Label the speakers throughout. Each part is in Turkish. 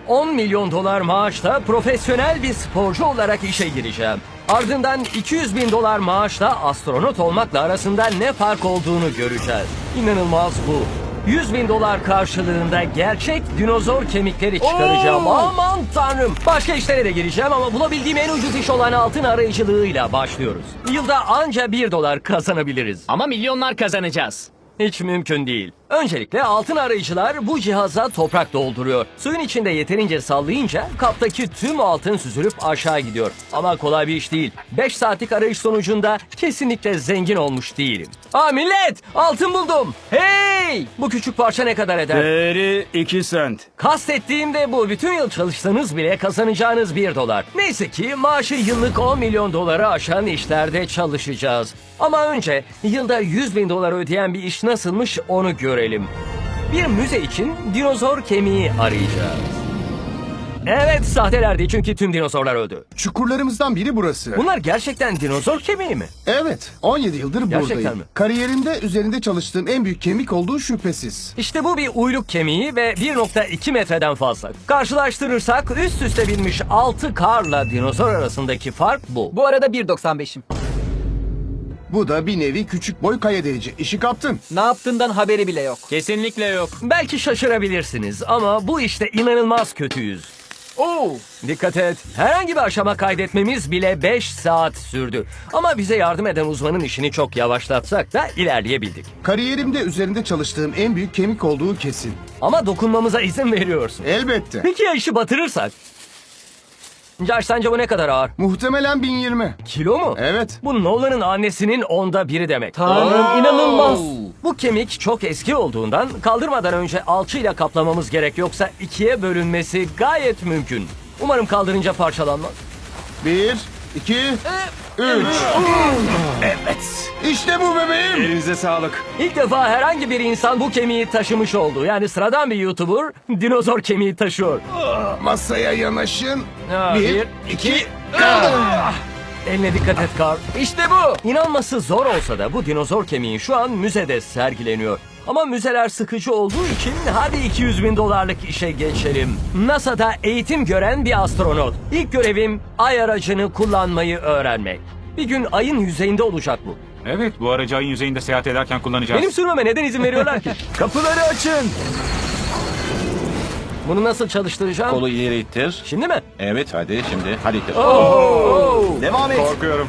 Speaker 1: 10 milyon dolar maaşla profesyonel bir sporcu olarak işe gireceğim. Ardından 200 bin dolar maaşla astronot olmakla arasında ne fark olduğunu göreceğiz. İnanılmaz bu. 100 bin dolar karşılığında gerçek dinozor kemikleri çıkaracağım. Aman tanrım. Başka işlere de gireceğim ama bulabildiğim en ucuz iş olan altın arayıcılığıyla başlıyoruz. Yılda anca 1 dolar kazanabiliriz.
Speaker 2: Ama milyonlar kazanacağız.
Speaker 1: Hiç mümkün değil. Öncelikle altın arayıcılar bu cihaza toprak dolduruyor. Suyun içinde yeterince sallayınca kaptaki tüm altın süzülüp aşağı gidiyor. Ama kolay bir iş değil. 5 saatlik arayış sonucunda kesinlikle zengin olmuş değilim. Millet! Altın buldum! Hey! Bu küçük parça ne kadar eder?
Speaker 3: Değeri 2 sent.
Speaker 1: Kastettiğim de bu. Bütün yıl çalışsanız bile kazanacağınız 1 dolar. Neyse ki maaşı yıllık 10 milyon doları aşan işlerde çalışacağız. Ama önce yılda 100 bin dolar ödeyen bir iş nasılmış onu görelim. Bir müze için dinozor kemiği arayacağız. Evet, sahtelerdi çünkü tüm dinozorlar öldü.
Speaker 4: Çukurlarımızdan biri burası.
Speaker 1: Bunlar gerçekten dinozor kemiği mi?
Speaker 4: Evet, 17 yıldır
Speaker 1: Gerçekten
Speaker 4: buradayım.
Speaker 1: mi?
Speaker 4: Kariyerimde üzerinde çalıştığım en büyük kemik olduğu şüphesiz.
Speaker 1: İşte bu bir uyluk kemiği ve 1,2 metreden fazla. Karşılaştırırsak üst üste binmiş 6 karla dinozor arasındaki fark bu.
Speaker 2: Bu arada 1.95'im.
Speaker 4: Bu da bir nevi küçük boy kaya delici. İşi kaptın.
Speaker 2: Ne yaptığından haberi bile yok. Kesinlikle yok.
Speaker 1: Belki şaşırabilirsiniz ama bu işte inanılmaz kötüyüz. Dikkat et. Herhangi bir aşama kaydetmemiz bile 5 saat sürdü. Ama bize yardım eden uzmanın işini çok yavaşlatsak da ilerleyebildik.
Speaker 4: Kariyerimde üzerinde çalıştığım en büyük kemik olduğu kesin.
Speaker 1: Ama dokunmamıza izin veriyorsun.
Speaker 4: Elbette.
Speaker 1: Peki ya işi batırırsak? Josh, sence bu ne kadar ağır?
Speaker 4: Muhtemelen 1020.
Speaker 1: Kilo mu?
Speaker 4: Evet.
Speaker 1: Bu Nolan'ın annesinin 1/10 demek.
Speaker 2: Tanrım, inanılmaz.
Speaker 1: Bu kemik çok eski olduğundan kaldırmadan önce alçıyla kaplamamız gerek, yoksa ikiye bölünmesi gayet mümkün. Umarım kaldırınca parçalanmaz.
Speaker 4: 1, 2, 3. Evet. İşte bu bebeğim.
Speaker 3: Elinize sağlık.
Speaker 1: İlk defa herhangi bir insan bu kemiği taşımış oldu. Yani sıradan bir YouTuber dinozor kemiği taşıyor.
Speaker 4: Masaya yanaşın. 1, 2,
Speaker 1: Eline dikkat et Carl. İşte bu. İnanması zor olsa da bu dinozor kemiği şu an müzede sergileniyor. Ama müzeler sıkıcı olduğu için hadi 200 bin dolarlık işe geçelim. NASA'da eğitim gören bir astronot. İlk görevim ay aracını kullanmayı öğrenmek. Bir gün ayın yüzeyinde olacak bu.
Speaker 3: Evet, bu aracı ayın yüzeyinde seyahat ederken kullanacağız.
Speaker 1: Benim sürmeme neden izin veriyorlar ki?
Speaker 3: Kapıları açın.
Speaker 1: Bunu nasıl çalıştıracağım?
Speaker 5: Kolu ileri ittir.
Speaker 1: Şimdi mi?
Speaker 5: Evet, hadi şimdi. Hadi ittir.
Speaker 4: Devam et.
Speaker 3: Korkuyorum.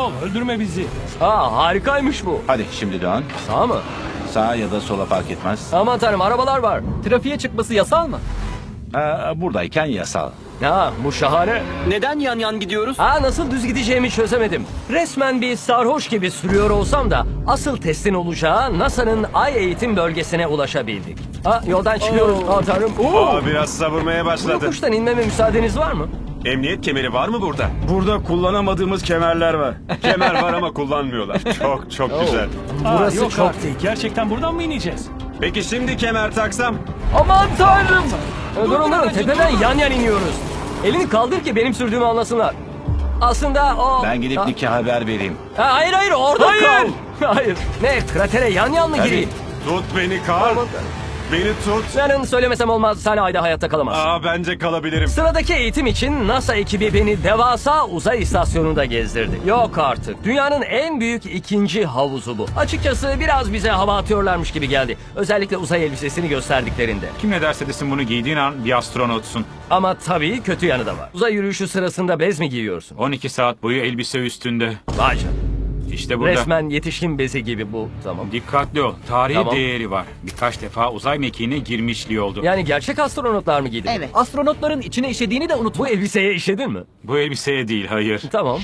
Speaker 1: Harikaymış bu.
Speaker 5: Hadi şimdi dön.
Speaker 1: Sağ mı?
Speaker 5: Sağa ya da sola fark etmez.
Speaker 1: Aman tanrım, arabalar var.
Speaker 2: Trafiğe çıkması yasal mı?
Speaker 5: Buradayken yasal.
Speaker 1: Bu şahane.
Speaker 2: Neden yan yan gidiyoruz?
Speaker 1: Nasıl düz gideceğimi çözemedim. Resmen bir sarhoş gibi sürüyor olsam da asıl testin olacağı NASA'nın ay eğitim bölgesine ulaşabildik. Yoldan çıkıyoruz. Tanrım.
Speaker 6: Biraz savurmaya
Speaker 1: Bu
Speaker 6: başladı.
Speaker 1: yokuştan inmeme müsaadeniz var mı?
Speaker 6: Emniyet kemeri var mı burada?
Speaker 3: Burada kullanamadığımız kemerler var.
Speaker 6: Kemer var ama kullanmıyorlar. Çok güzel.
Speaker 1: Burası çok değil.
Speaker 7: Gerçekten buradan mı ineceğiz?
Speaker 6: Peki şimdi kemer taksam?
Speaker 1: Aman tanrım. Durun, tepeden yan yan iniyoruz. Elini kaldır ki benim sürdüğümü anlasınlar. Aslında o...
Speaker 5: Ben gidip Nick'e haber vereyim.
Speaker 1: Hayır, orada kal. Hayır. Ne, kratere yan yan mı gireyim?
Speaker 6: Tut beni Karl. Beni tut.
Speaker 1: Yarın söylemesem olmaz, sen ayda hayatta kalamazsın.
Speaker 6: Bence kalabilirim.
Speaker 1: Sıradaki eğitim için NASA ekibi beni devasa uzay istasyonunda gezdirdi. Yok artık. Dünyanın en büyük ikinci havuzu bu. Açıkçası biraz bize hava atıyorlarmış gibi geldi. Özellikle uzay elbisesini gösterdiklerinde.
Speaker 3: Kim ne derse desin bunu giydiğin an bir astronotsun.
Speaker 1: Ama tabii kötü yanı da var. Uzay yürüyüşü sırasında bez mi giyiyorsun?
Speaker 3: 12 saat boyu elbise üstünde.
Speaker 1: Vay canına.
Speaker 3: İşte burada.
Speaker 1: Resmen yetişkin bezi gibi bu. Tamam.
Speaker 3: Dikkatli ol. Tarihi
Speaker 1: Tamam.
Speaker 3: değeri var. Birkaç defa uzay mekiğine girmişliği oldu.
Speaker 1: Yani gerçek astronotlar mı giydi?
Speaker 2: Evet. Astronotların içine işediğini de unutma.
Speaker 1: Bu elbiseye işedin mi?
Speaker 3: Bu elbiseye değil, hayır.
Speaker 1: Tamam.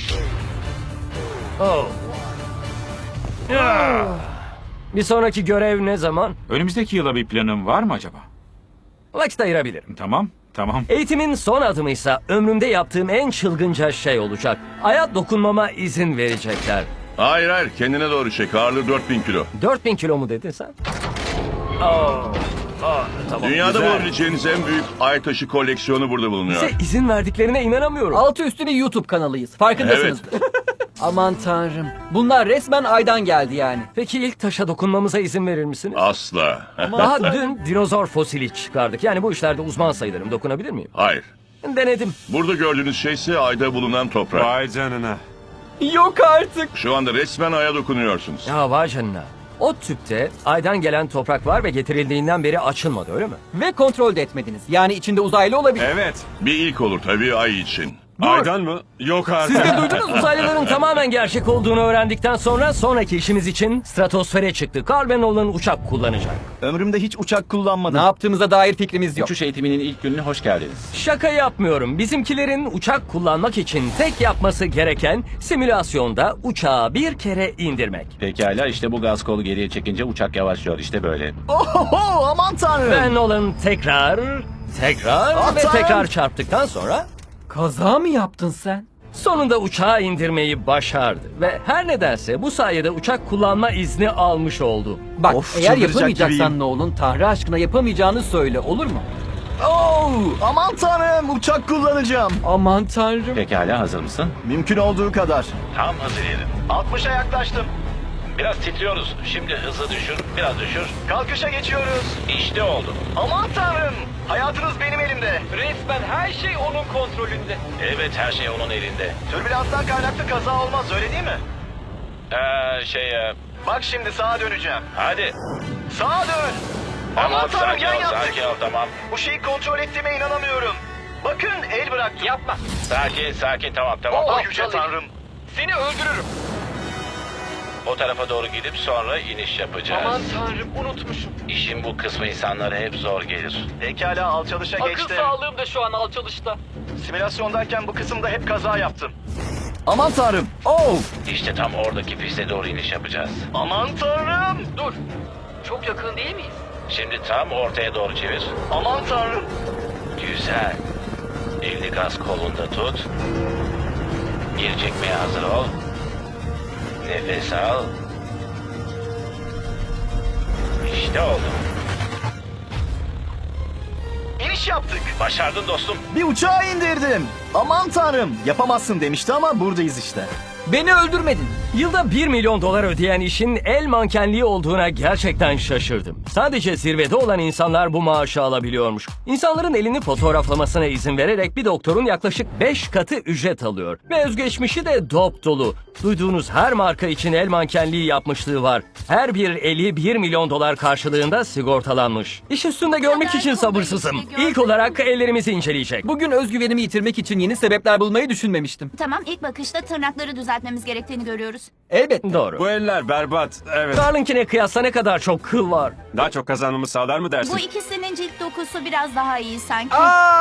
Speaker 1: Bir sonraki görev ne zaman?
Speaker 3: Önümüzdeki yıla bir planın var mı acaba?
Speaker 1: Vakit ayırabilirim.
Speaker 3: Tamam.
Speaker 1: Eğitimin son adımıysa ömrümde yaptığım en çılgınca şey olacak. Aya dokunmama izin verecekler.
Speaker 8: Hayır kendine doğru çek. Ağırlığı 4000 kilo.
Speaker 1: 4000 kilo mu dedin sen? Tamam.
Speaker 8: Dünyada bulabileceğiniz en büyük ay taşı koleksiyonu burada bulunuyor.
Speaker 1: Bize izin verdiklerine inanamıyorum.
Speaker 2: Altı üstüne YouTube kanalıyız. Farkındasınız. Aman tanrım. Bunlar resmen aydan geldi yani.
Speaker 1: Peki ilk taşa dokunmamıza izin verir misiniz?
Speaker 8: Asla.
Speaker 1: Daha dün dinozor fosili çıkardık. Yani bu işlerde uzman sayılırım. Dokunabilir miyim?
Speaker 8: Hayır.
Speaker 1: Denedim.
Speaker 8: Burada gördüğünüz şey ise ayda bulunan toprak.
Speaker 6: Vay canına.
Speaker 2: Yok artık.
Speaker 8: Şu anda resmen aya dokunuyorsunuz.
Speaker 1: Ya vay canına. O tüpte aydan gelen toprak var ve getirildiğinden beri açılmadı, öyle mi?
Speaker 2: Ve kontrol de etmediniz. Yani içinde uzaylı olabilir.
Speaker 6: Evet.
Speaker 8: Bir ilk olur tabii ay için.
Speaker 6: Aydan mı? Yok artık.
Speaker 1: Siz de duydunuz, uzaylıların tamamen gerçek olduğunu öğrendikten sonra sonraki işimiz için stratosfere çıktık. Carl ve Nolan uçak kullanacak.
Speaker 7: Ömrümde hiç uçak kullanmadım.
Speaker 2: Ne yaptığımıza dair fikrimiz yok.
Speaker 5: Uçuş eğitiminin ilk gününe hoş geldiniz.
Speaker 1: Şaka yapmıyorum. Bizimkilerin uçak kullanmak için tek yapması gereken simülasyonda uçağı bir kere indirmek.
Speaker 5: Pekala, işte bu gaz kolu geriye çekince uçak yavaşlıyor, işte böyle.
Speaker 7: Oho, aman tanrım.
Speaker 1: Ve Nolan tekrar ve
Speaker 7: Aman!
Speaker 1: tekrar çarptıktan sonra
Speaker 2: Kaza mı yaptın sen?
Speaker 1: sonunda uçağı indirmeyi başardı. Ve her nedense bu sayede uçak kullanma izni almış oldu.
Speaker 2: Bak,
Speaker 7: Of,
Speaker 2: eğer
Speaker 7: çıldıracak
Speaker 2: yapamayacaksan
Speaker 7: gibiyim.
Speaker 2: ne olun, Tanrı aşkına yapamayacağını söyle, olur mu?
Speaker 7: Oo, aman tanrım, uçak kullanacağım.
Speaker 2: Aman tanrım.
Speaker 5: Pekala, hazır mısın?
Speaker 7: Mümkün olduğu kadar.
Speaker 5: Tam hazır yerim.
Speaker 7: 60'a yaklaştım.
Speaker 5: Biraz titriyoruz. Şimdi hızı düşür, biraz düşür.
Speaker 7: Kalkışa geçiyoruz.
Speaker 5: İşte oldu.
Speaker 7: Aman tanrım. Hayatınız benim elimde.
Speaker 2: Resmen her şey onun kontrolünde.
Speaker 5: Evet, her şey onun elinde.
Speaker 7: Türbülanstan kaynaklı kaza olmaz, öyle değil mi?
Speaker 5: Ee,
Speaker 7: Bak şimdi sağa döneceğim.
Speaker 5: hadi.
Speaker 7: Sağa dön.
Speaker 5: Tamam,
Speaker 7: Aman tanrım,
Speaker 5: sakin
Speaker 7: yan
Speaker 5: ol,
Speaker 7: yaptık.
Speaker 5: sakin ol, tamam.
Speaker 7: Bu şeyi kontrol ettiğime inanamıyorum. Bakın, el bıraktım.
Speaker 2: Yapma.
Speaker 5: Sakin, tamam.
Speaker 7: Oh yüce tanrım.
Speaker 2: Seni öldürürüm.
Speaker 5: O tarafa doğru gidip sonra iniş yapacağız.
Speaker 2: tanrım, unutmuşum.
Speaker 5: İşin bu kısmı insanlara hep zor gelir.
Speaker 7: Pekala, alçalışa geçtim.
Speaker 2: sağlığım da şu an alçalışta.
Speaker 7: Simülasyondayken bu kısımda hep kaza yaptım. Aman tanrım. Oh.
Speaker 5: İşte tam oradaki piste doğru iniş yapacağız.
Speaker 7: Aman tanrım.
Speaker 2: Dur. Çok yakın değil miyiz?
Speaker 5: Şimdi tam ortaya doğru çevir.
Speaker 7: Aman tanrım.
Speaker 5: Güzel. Elini gaz kolunda tut. Geri çekmeye hazır ol. Nefes al. İşte oldu.
Speaker 7: İniş yaptık.
Speaker 5: Başardın dostum.
Speaker 7: Bir uçağı indirdim. Aman tanrım. Yapamazsın demişti ama buradayız işte.
Speaker 2: Beni öldürmedin.
Speaker 1: Yılda 1 milyon dolar ödeyen işin el mankenliği olduğuna gerçekten şaşırdım. Sadece zirvede olan insanlar bu maaşı alabiliyormuş. İnsanların elini fotoğraflamasına izin vererek bir doktorun yaklaşık 5 katı ücret alıyor. Ve özgeçmişi de dop dolu. Duyduğunuz her marka için el mankenliği yapmışlığı var. Her bir eli 1 milyon dolar karşılığında sigortalanmış. İş üstünde görmek için sabırsızım. İlk olarak ellerimizi inceleyecek.
Speaker 2: Bugün özgüvenimi yitirmek için yeni sebepler bulmayı düşünmemiştim.
Speaker 9: Tamam, ilk bakışta tırnakları düzeltmemiz gerektiğini görüyoruz.
Speaker 2: Elbette.
Speaker 1: Doğru.
Speaker 6: Bu eller berbat. Evet.
Speaker 1: Carl'inkine kıyasla ne kadar çok kıl var.
Speaker 6: Daha çok kazanmamı sağlar mı dersin?
Speaker 9: Bu ikisinin cilt dokusu biraz daha iyi sanki.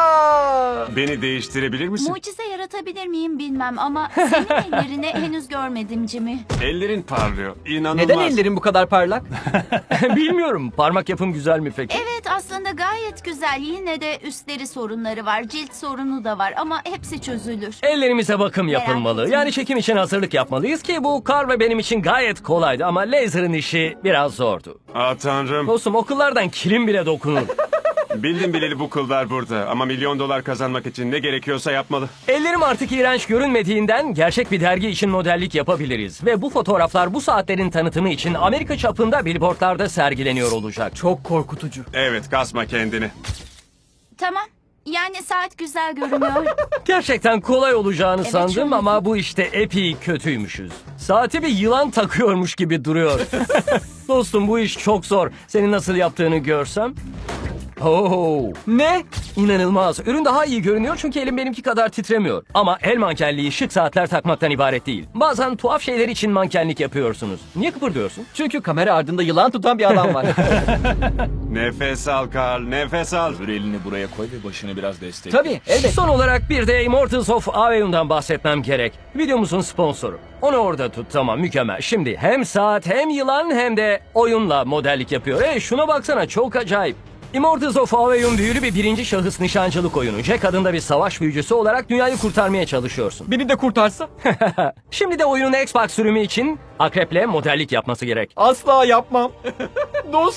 Speaker 6: Beni değiştirebilir misin?
Speaker 9: Mucize yaratabilir miyim bilmem ama senin ellerini henüz görmedim Jimmy.
Speaker 6: Ellerin parlıyor. İnanılmaz.
Speaker 2: Neden ellerin bu kadar parlak?
Speaker 1: Bilmiyorum. Parmak yapım güzel mi peki?
Speaker 9: Evet, aslında gayet güzel. Yine de üstleri sorunları var, cilt sorunu da var ama hepsi çözülür.
Speaker 1: Ellerimize bakım
Speaker 9: Merak
Speaker 1: yapılmalı.
Speaker 9: etme.
Speaker 1: Yani çekim için hazırlık yapmalıyız ki bu Carl ve benim için gayet kolaydı ama laser'ın işi biraz zordu.
Speaker 6: Ah tanrım.
Speaker 1: Dostum, okullardan kilim bile dokunur.
Speaker 6: Bildim bileli bu kıllar burada. Ama milyon dolar kazanmak için ne gerekiyorsa yapmalı.
Speaker 1: Ellerim artık iğrenç görünmediğinden gerçek bir dergi için modellik yapabiliriz. Ve bu fotoğraflar bu saatlerin tanıtımı için Amerika çapında billboardlarda sergileniyor olacak.
Speaker 2: Çok korkutucu.
Speaker 6: Evet, kasma kendini.
Speaker 9: Tamam. Yani saat güzel görünüyor.
Speaker 1: Gerçekten kolay olacağını
Speaker 9: Evet,
Speaker 1: sandım
Speaker 9: şöyle.
Speaker 1: ama bu işte epey kötüymüşüz. Saati bir yılan takıyormuş gibi duruyor. Dostum, bu iş çok zor. Senin nasıl yaptığını görsem. Oh,
Speaker 2: Ne?
Speaker 1: İnanılmaz. Ürün daha iyi görünüyor çünkü elim benimki kadar titremiyor. Ama el mankenliği şık saatler takmaktan ibaret değil. Bazen tuhaf şeyler için mankenlik yapıyorsunuz. Niye kıpırdıyorsun?
Speaker 2: Çünkü kamera ardında yılan tutan bir adam var.
Speaker 6: Nefes al Carl, nefes al.
Speaker 10: Elini buraya koy ve başını biraz destek.
Speaker 2: Tabii, elbette.
Speaker 1: Son olarak bir de Immortals of Aveum'dan bahsetmem gerek. Videomuzun sponsoru. Onu orada tut, tamam, mükemmel. Şimdi hem saat hem yılan hem de oyunla modellik yapıyor. Şuna baksana, çok acayip. Immortals of Aveum büyülü bir birinci şahıs nişancılık oyunu. Jack adında bir savaş büyücüsü olarak dünyayı kurtarmaya çalışıyorsun.
Speaker 2: Beni de kurtarsa?
Speaker 1: Şimdi de oyunun Xbox sürümü için akreple modellik yapması gerek.
Speaker 2: Asla yapmam. Dostum.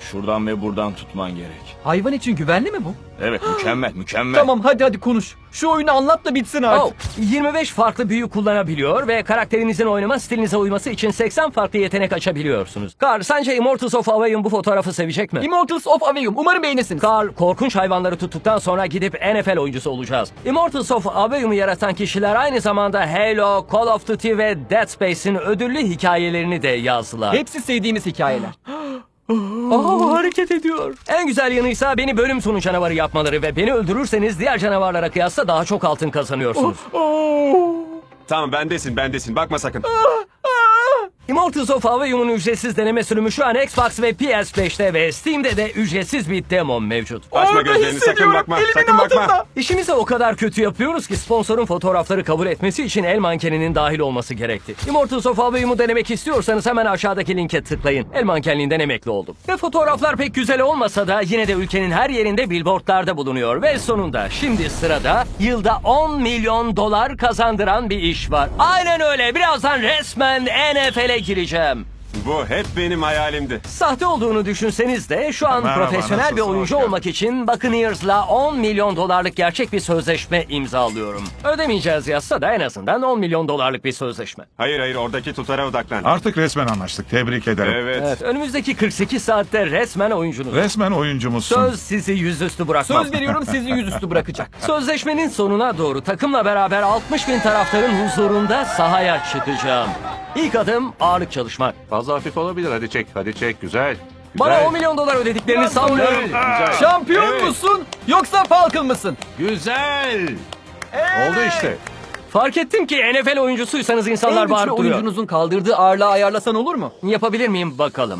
Speaker 10: Şuradan ve buradan tutman gerek.
Speaker 2: Hayvan için güvenli mi bu?
Speaker 10: Evet, mükemmel.
Speaker 2: Tamam hadi konuş. Şu oyunu anlat da bitsin artık.
Speaker 1: Oh, 25 farklı büyü kullanabiliyor ve karakterinizin oynama stilinize uyması için 80 farklı yetenek açabiliyorsunuz. Carl, sence Immortals of Aveum bu fotoğrafı sevecek mi?
Speaker 2: Immortals of Aveum. Umarım beğenirsiniz.
Speaker 1: Carl, korkunç hayvanları tuttuktan sonra gidip NFL oyuncusu olacağız. Immortals of Aveum'u yaratan kişiler aynı zamanda Halo, Call of Duty ve Dead Space'in ödüllü hikayelerini de yazdılar.
Speaker 2: Hepsi sevdiğimiz hikayeler.
Speaker 1: Hareket ediyor. En güzel yanıysa beni bölüm sonu canavarı yapmaları ve beni öldürürseniz diğer canavarlara kıyasla daha çok altın kazanıyorsunuz.
Speaker 6: Tamam bendesin. Bakma sakın.
Speaker 1: Immortals of Aveum'un ücretsiz deneme sürümü şu an Xbox ve PS5'te ve Steam'de de ücretsiz bir demo mevcut.
Speaker 6: Açma
Speaker 2: Orada
Speaker 6: gözlerini, sakın
Speaker 2: hissediyorum,
Speaker 6: bakma.
Speaker 2: elimin
Speaker 6: Sakın bakma.
Speaker 2: altında.
Speaker 1: İşimizi o kadar kötü yapıyoruz ki sponsorun fotoğrafları kabul etmesi için el mankeninin dahil olması gerekti. Immortals of Aveum'u denemek istiyorsanız hemen aşağıdaki linke tıklayın. El mankenliğinden emekli oldum. Ve fotoğraflar pek güzel olmasa da yine de ülkenin her yerinde billboardlarda bulunuyor. Ve sonunda şimdi sırada yılda 10 milyon dolar kazandıran bir iş var. Aynen öyle. Birazdan resmen NFL'e gireceğim.
Speaker 6: Bu hep benim hayalimdi.
Speaker 1: Sahte olduğunu düşünseniz de şu an profesyonel bir oyuncu olmak için Buccaneers'la 10 milyon dolarlık gerçek bir sözleşme imzalıyorum. Ödemeyeceğiz yazsa da en azından 10 milyon dolarlık bir sözleşme.
Speaker 6: Hayır oradaki tutara odaklan.
Speaker 11: Artık resmen anlaştık. Tebrik ederim.
Speaker 6: Evet.
Speaker 1: Önümüzdeki 48 saatte resmen oyuncunuz.
Speaker 11: Resmen oyuncumuzsun.
Speaker 1: Söz sizi yüzüstü bırakmam.
Speaker 2: Söz veriyorum sizi yüzüstü bırakacak.
Speaker 1: Sözleşmenin sonuna doğru takımla beraber 60 bin taraftarın huzurunda sahaya çıkacağım. İlk adım ağırlık çalışmak.
Speaker 5: Fazla hafif olabilir. Hadi çek. Güzel.
Speaker 1: Bana 10 milyon dolar ödediklerini sanmıyorum.
Speaker 2: Şampiyon musun yoksa Falcon mısın?
Speaker 5: Güzel. Oldu işte.
Speaker 1: Fark ettim ki NFL oyuncusuysanız insanlar
Speaker 2: En güçlü
Speaker 1: bağırıp duruyor.
Speaker 2: oyuncunuzun kaldırdığı ağırlığı ayarlasan olur mu?
Speaker 1: Yapabilir miyim bakalım?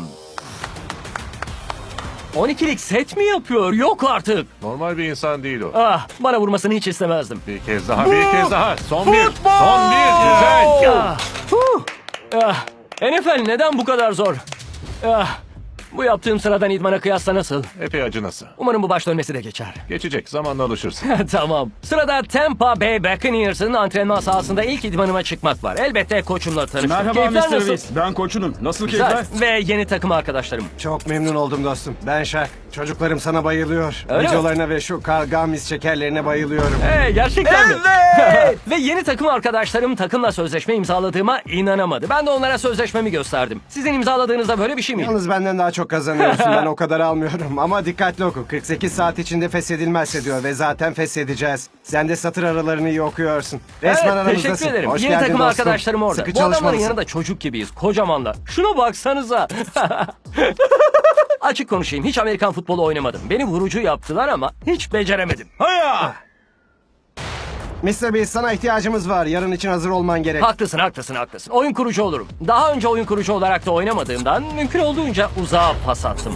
Speaker 1: 12'lik set mi yapıyor? Yok artık.
Speaker 5: Normal bir insan değil o.
Speaker 1: Ah, bana vurmasını hiç istemezdim.
Speaker 5: Bir kez daha. Son bir. Güzel.
Speaker 1: Ah, NFL neden bu kadar zor? Ah, bu yaptığım sıradan idmana kıyasla nasıl?
Speaker 5: Epey acınası.
Speaker 1: Umarım bu baş dönmesi de geçer.
Speaker 5: Geçecek. Zamanla alışırsın.
Speaker 1: Tamam. Sırada Tampa Bay Buccaneers'ın antrenman sahasında ilk idmanıma çıkmak var. Elbette koçumla tanıştım.
Speaker 4: Merhaba
Speaker 1: Keyifler
Speaker 4: Mr.
Speaker 1: nasıl?
Speaker 4: Reese. Ben koçunum. Nasıl
Speaker 1: Güzel.
Speaker 4: keyifler?
Speaker 1: Ve yeni takım arkadaşlarım.
Speaker 12: Çok memnun oldum dostum. Ben Şak. Çocuklarım sana bayılıyor.
Speaker 1: Öyle mi?
Speaker 12: Videolarına ve şu Carl Gamis şekerlerine bayılıyorum.
Speaker 1: Gerçekten mi? Ve yeni takım arkadaşlarım takımla sözleşme imzaladığıma inanamadı. Ben de onlara sözleşmemi gösterdim. Sizin imzaladığınızda böyle bir şey miydi?
Speaker 12: Yalnız benden daha çok kazanıyorsun. Ben o kadar almıyorum. Ama dikkatli oku. 48 saat içinde feshedilmezse diyor ve zaten feshedeceğiz. Sen de satır aralarını iyi okuyorsun. Resmen
Speaker 1: Evet,
Speaker 12: aramızdasın.
Speaker 1: teşekkür ederim.
Speaker 12: Hoş
Speaker 1: Yeni
Speaker 12: geldin
Speaker 1: takım
Speaker 12: dostum.
Speaker 1: arkadaşlarım orada.
Speaker 12: Sıkı
Speaker 1: Bu adamların
Speaker 12: çalışmalısın.
Speaker 1: yanında çocuk gibiyiz. Kocamanlar. Şuna baksanıza. Açık konuşayım. Hiç Amerikan futbolu oynamadım. Beni vurucu yaptılar ama hiç beceremedim.
Speaker 12: Mr. Beast sana ihtiyacımız var. Yarın için hazır olman gerek.
Speaker 1: Haklısın. Oyun kurucu olurum. Daha önce oyun kurucu olarak da oynamadığımdan mümkün olduğunca uzağa pas attım.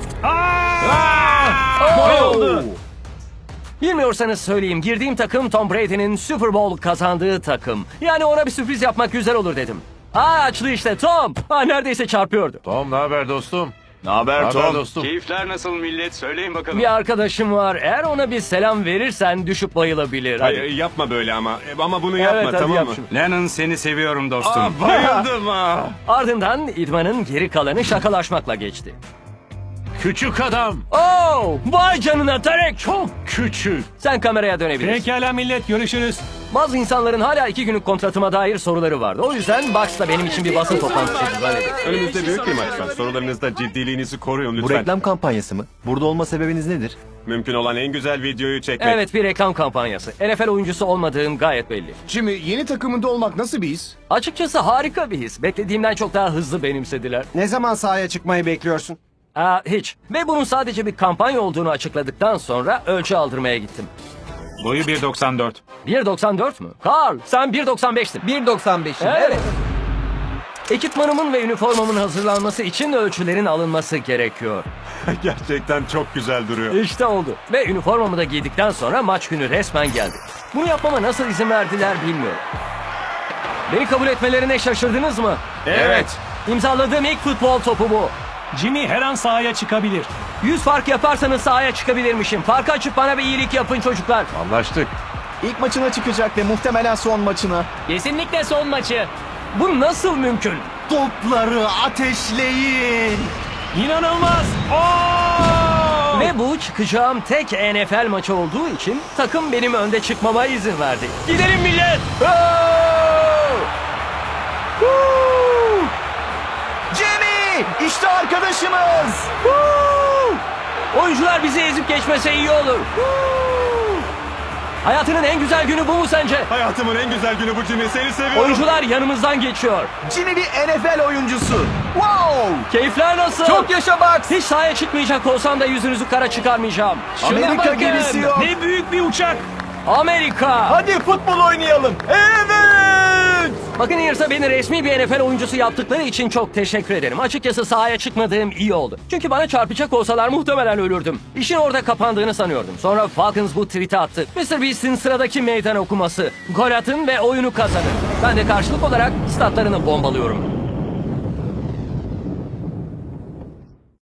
Speaker 1: Oh! Bilmiyorsanız söyleyeyim. Girdiğim takım Tom Brady'nin Super Bowl kazandığı takım. Yani ona bir sürpriz yapmak güzel olur dedim. Açlı işte Tom. Neredeyse çarpıyordu.
Speaker 5: Tom, ne haber dostum?
Speaker 10: Ne haber Tom?
Speaker 5: dostum?
Speaker 6: Keyifler nasıl millet? Söyleyin bakalım.
Speaker 1: Bir arkadaşım var. Eğer ona bir selam verirsen düşüp bayılabilir. Hadi.
Speaker 6: Hayır yapma böyle ama. Ama bunu
Speaker 1: Evet,
Speaker 6: yapma
Speaker 1: hadi
Speaker 6: tamam
Speaker 1: yap
Speaker 6: mı?
Speaker 1: şunu.
Speaker 6: Lennon seni seviyorum dostum. Bayıldım ha.
Speaker 1: Ardından idmanın geri kalanı şakalaşmakla geçti.
Speaker 5: Küçük adam.
Speaker 1: Oh, vay canına Tarek çok.
Speaker 5: Küçük.
Speaker 1: Sen kameraya dönebilirsin.
Speaker 5: Pekala millet, görüşürüz.
Speaker 1: Bazı insanların hala 2 günlük kontratıma dair soruları vardı. O yüzden Bucks da benim için bir basın toplantısı düzenledi.
Speaker 6: Önümüzde büyük bir maç var. Sorularınızda ciddiliğinizi koruyun lütfen.
Speaker 10: kampanyası mı? Burada olma sebebiniz nedir?
Speaker 6: Mümkün olan en güzel videoyu çekmek.
Speaker 1: Evet, bir reklam kampanyası. NFL oyuncusu olmadığım gayet belli.
Speaker 4: Jimmy, yeni takımında olmak nasıl bir his?
Speaker 1: Açıkçası harika bir his. Beklediğimden çok daha hızlı benimsediler.
Speaker 12: Ne zaman sahaya çıkmayı bekliyorsun?
Speaker 1: Hiç. Ve bunun sadece bir kampanya olduğunu açıkladıktan sonra ölçü aldırmaya gittim.
Speaker 3: Boyu 1.94.
Speaker 1: 1.94 mü? Carl, sen 1.95'tin.
Speaker 2: 1.95'im.
Speaker 1: Evet. Ekipmanımın ve üniformamın hazırlanması için ölçülerin alınması gerekiyor.
Speaker 6: Gerçekten çok güzel duruyor.
Speaker 1: İşte oldu. Ve üniformamı da giydikten sonra maç günü resmen geldi. Bunu yapmama nasıl izin verdiler bilmiyorum. Beni kabul etmelerine şaşırdınız mı?
Speaker 6: Evet.
Speaker 1: İmzaladığım ilk futbol topu bu.
Speaker 5: Jimmy her an sahaya çıkabilir.
Speaker 1: 100 fark yaparsanız sahaya çıkabilirmişim. Farkı açıp bana bir iyilik yapın çocuklar.
Speaker 5: Anlaştık.
Speaker 10: İlk maçına çıkacak ve muhtemelen son maçına.
Speaker 1: Kesinlikle son maçı. Bu nasıl mümkün?
Speaker 12: Topları ateşleyin.
Speaker 5: İnanılmaz.
Speaker 1: Ve bu çıkacağım tek NFL maçı olduğu için takım benim önde çıkmama izin verdi. Gidelim millet!
Speaker 10: Jimmy! İşte arkadaşımız!
Speaker 1: Oyuncular bizi ezip geçmese iyi olur. Hayatının en güzel günü bu mu sence?
Speaker 6: Hayatımın en güzel günü bu Jimmy. Seni seviyorum.
Speaker 1: Oyuncular yanımızdan geçiyor.
Speaker 10: Jimmy bir NFL oyuncusu. Wow!
Speaker 1: Keyifler nasıl?
Speaker 2: Çok yaşa Bucks.
Speaker 1: Hiç sahaya çıkmayacak olsam da yüzünüzü kara çıkarmayacağım.
Speaker 10: Amerika
Speaker 1: bakın.
Speaker 10: gemisi yok.
Speaker 3: Ne büyük bir uçak.
Speaker 1: Amerika.
Speaker 10: Hadi futbol oynayalım. Evet!
Speaker 1: Buccaneers'a beni resmi bir NFL oyuncusu yaptıkları için çok teşekkür ederim. Açıkçası sahaya çıkmadığım iyi oldu. Çünkü bana çarpacak olsalar muhtemelen ölürdüm. İşin orada kapandığını sanıyordum. Sonra Falcons bu tweet'i attı. Mr. Beast'in sıradaki meydan okuması. Gol atın ve oyunu kazanın. Ben de karşılık olarak statlarını bombalıyorum.